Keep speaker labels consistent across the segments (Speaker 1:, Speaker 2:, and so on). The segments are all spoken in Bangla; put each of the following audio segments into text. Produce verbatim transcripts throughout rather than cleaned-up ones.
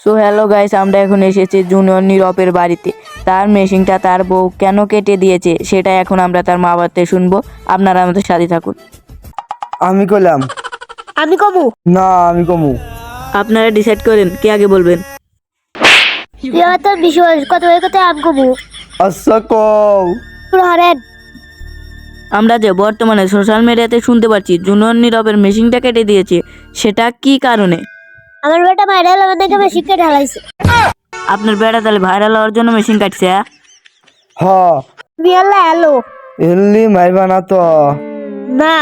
Speaker 1: সো হ্যালো গাইস, আমরা এখন এসেছি জুনিয়র নীরবের বাড়িতে। তার মেশিনটা তার বউ কেন কেটে দিয়েছে সেটা এখন আমরা তার মা বাড়িতে শুনবো। আপনারা আমাদের সাথে থাকুন।
Speaker 2: আমি কইলাম
Speaker 3: আমি কমু
Speaker 2: না, আমি কমু।
Speaker 1: আপনারা ডিসাইড করেন কে আগে বলবেন।
Speaker 3: তুই আমার তোর বিষয় কত হয়ে কত আমি কমু
Speaker 2: আচ্ছা কও।
Speaker 3: পুরো হারেন।
Speaker 1: আমরা যে বর্তমানে সোশ্যাল মিডিয়াতে শুনতে পাচ্ছি জুনিয়র নীরবের মেশিনটা কেটে দিয়েছে, সেটা কি কারণে?
Speaker 3: আমার বেটা ভাইরাল আমার দেখে বেশি কেটে ঢালাইছে।
Speaker 1: আপনার বেড়া তাহলে ভাইরাল হওয়ার জন্য মেশিন কাটছে? হ্যাঁ?
Speaker 2: হ
Speaker 3: তুমি আল্লাহ হ্যালো
Speaker 2: এলি মাইবা না তো।
Speaker 3: না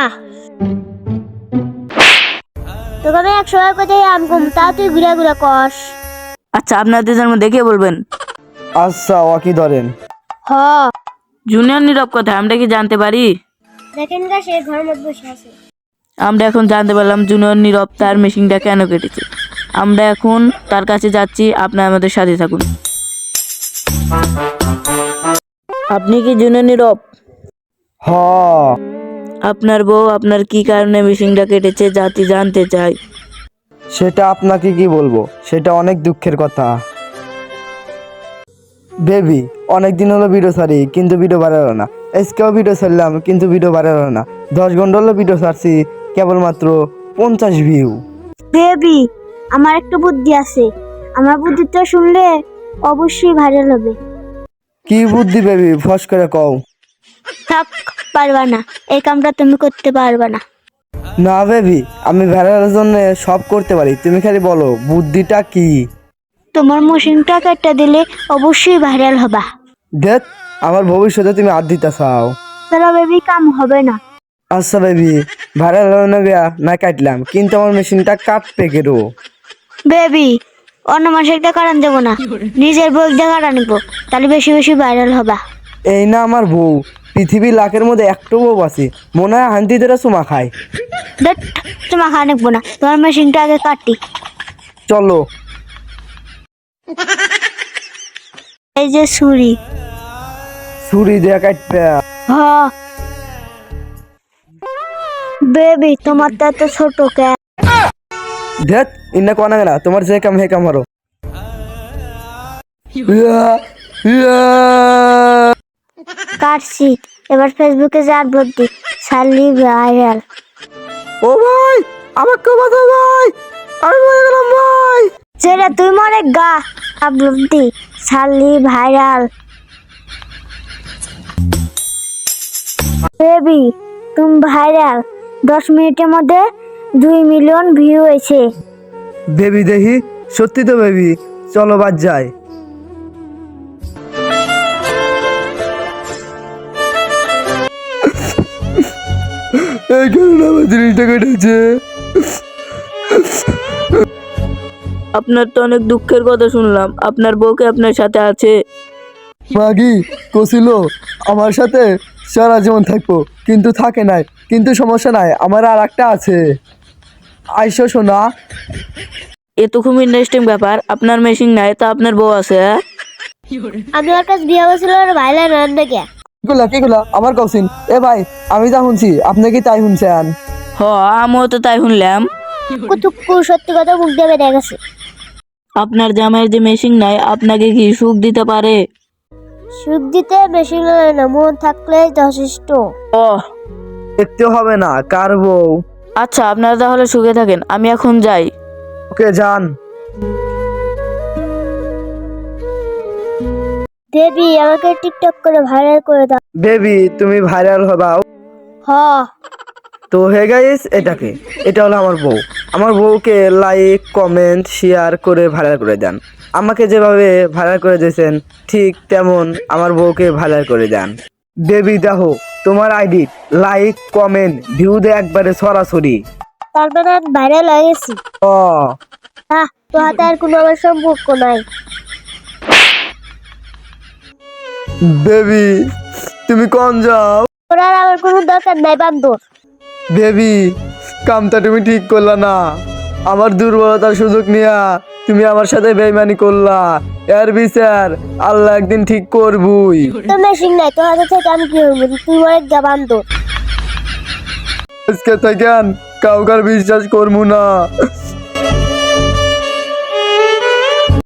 Speaker 3: তোকে আমি একশো বার কথা আম কম তা তুই ঘুরা ঘুরা কস।
Speaker 1: আচ্ছা, আপনাদের জন্য দেখে বলবেন।
Speaker 2: আচ্ছা ও কি ধরেন।
Speaker 3: হ
Speaker 1: জুনিয়র নীরব কোথায়, আমরা কি জানতে পারি?
Speaker 3: দেখেন গা সে ঘরের মধ্যে বসে আছে।
Speaker 1: আমরা এখন জানতে পারলাম জুনিয়র নীরব তার মেশিনটা কেন কেটেছে। আমরা এখন তার কাছে যাচ্ছি, আপনারা আমাদের সাথে থাকুন। আপনি কি জুনিয়র নীরব?
Speaker 2: হ
Speaker 1: আপনার বউ আপনার কি কারণে মেশিনটা কেটেছে জাতি জানতে চাই।
Speaker 2: সেটা আপনাকে কি বলবো, সেটা অনেক দুঃখের কথা। বেবি অনেক দিন হলো ভিডিও ছাড়ি কিন্তু ভিডিও বাড়ালো না। আজকেও ভিডিও ছাড়লাম কিন্তু ভিডিও বাড়ালো না। দশ ঘন্টা হলো ভিডিও ছাড়ছি, কেবলমাত্র পঞ্চাশ ভিউ।
Speaker 3: বেবি আমার একটা বুদ্ধি আছে, আমার বুদ্ধিটা শুনলে অবশ্যই ভাইরাল হবে।
Speaker 2: কি বুদ্ধি বেবি, ফস করে কও।
Speaker 3: থাক, পারবা না, এই কামটা তুমি করতে পারবা না।
Speaker 2: না বেবি, আমি ভাইরালের জন্য সব করতে পারি, তুমি খালি বলো বুদ্ধিটা কি।
Speaker 3: তোমার মেশিনটা কেটে দিলে অবশ্যই ভাইরাল হবা।
Speaker 2: দেখ আমার ভবিষ্যতে তুমি আর দিতে চাও।
Speaker 3: তাহলে বেবি কাম হবে না।
Speaker 2: আচ্ছা বেবি, ভাইরাল হলো না বিয়া না কাটলাম, কিন্তু আমার মেশিনটা কাটবে কেরো।
Speaker 3: বেবি অন্য মানুষেরটা কারণ দেবো না, নিজের বই দিয়ে কারণ নিবো, তাহলে বেশি বেশি ভাইরাল হবা।
Speaker 2: এই না আমার বউ, পৃথিবীর লাখের মধ্যে একটু বউ আছে মনে হয় হান্তি ধরে চুমা খায়।
Speaker 3: দেখ তোমার খাওয়া নিবো না, তোমার মেশিনটা আগে কাটি।
Speaker 2: চলো।
Speaker 3: এই যে ছুরি।
Speaker 2: ছুরি দিয়ে কাটবে।
Speaker 3: হ বেবি তোমার তো এত ছোট কে।
Speaker 2: দেখ ইন্না কোনা গেলা, তোমার যে কাম হে কাম হারো। ইয়া, ইয়া।
Speaker 3: কাটছি, এবার ফেসবুকে যে আপলোড দি, সালি ভাইরাল।
Speaker 2: ও ভাই আমাকে বাঁচাও ভাই, আমি মরে গেলাম ভাই।
Speaker 3: সেটা তুই মরে গা, আপলোড দি, সালি ভাইরাল। বেবি তুমি ভাইরাল, দশ মিনিটের মধ্যে দুই মিলিয়ন ভিউ হয়েছে।
Speaker 2: বেবি দেখি, সত্যি তো বেবি, চলো বাদ যাই। এই কারণে আমার জিনিসটা কেটেছে।
Speaker 1: আপনার তো অনেক দুঃখের কথা শুনলাম, আপনার বউকে আপনার সাথে আছে?
Speaker 2: মাগি কছিল আমার সাথে সারা জীবন থাকবো, কিন্তু থাকে নাই, কিন্তু সমস্যা নাই, আমার আর একটা আছে। আইসো শোনা।
Speaker 1: এ তো খুব ইন্টারেস্টিং ব্যাপার, আপনার মেশিন নাই তা আপনার বউ আছে? হ্যাঁ?
Speaker 3: আমি ওর কাছে বিয়ে হয়েছিল ভাইরাল রান্না কে।
Speaker 2: কিগুলা কিগুলা আমার কৌশিন। এ ভাই আমি যা শুনছি আপনি কি তাই শুনছেন?
Speaker 1: হ, আমিও তো তাই শুনলাম।
Speaker 3: কুতুক্কু সত্যি কথা মুখ দিয়ে বেরিয়ে গেছে।
Speaker 1: আপনার জামাইয়ের যে মেশিন নাই আপনাকে কি সুখ দিতে পারে?
Speaker 3: সুখ দিতে বেশি লাগে না, মন থাকলে যথেষ্ট।
Speaker 1: ও
Speaker 2: দেখতে হবে না কার বউ।
Speaker 1: আচ্ছা, আপনারা তাহলে সুখে থাকেন, আমি এখন যাই।
Speaker 2: ওকে যান।
Speaker 3: বেবি আমাকে টিকটক করে ভাইরাল করে দাও।
Speaker 2: বেবি তুমি ভাইরাল হবাও।
Speaker 3: হ
Speaker 2: তো হে গাইস, এটাকে এটা হলো আমার বউ। আমার বউকে লাইক কমেন্ট শেয়ার করে ভাইরাল করে দেন। আমাকে যেভাবে ভাইরাল করে দিয়েছেন ঠিক তেমন আমার বউকে ভাইরাল করে দেন। বেবি দেখো তোমার আইডি লাইক কমেন্ট ভিউ দে একবারে সরাসরি।
Speaker 3: তারপরে ভাইরাল হয়ে গেছি।
Speaker 2: ও
Speaker 3: হ্যাঁ, তো হাতে আর কোনো আমার সম্পর্ক নাই।
Speaker 2: বেবি তুমি কোন যাও?
Speaker 3: তোর আর আমার কোনো দরকার নাই বান্দর।
Speaker 2: বেবি কামটা তুমি ঠিক করলা না, আমার দুর্বলতার সুযোগ নিয়া তুমি আমার সাথে বেইমানি করলা। এর বিচার আল্লাহ একদিন ঠিক করবই।
Speaker 3: তোর মেশিন নাই, তোর হাতে থেকে আমি কি হইব? তুই মরে যা বান্দর।
Speaker 2: আজকে থেকে কাউকার বিশ্বাস করবো না।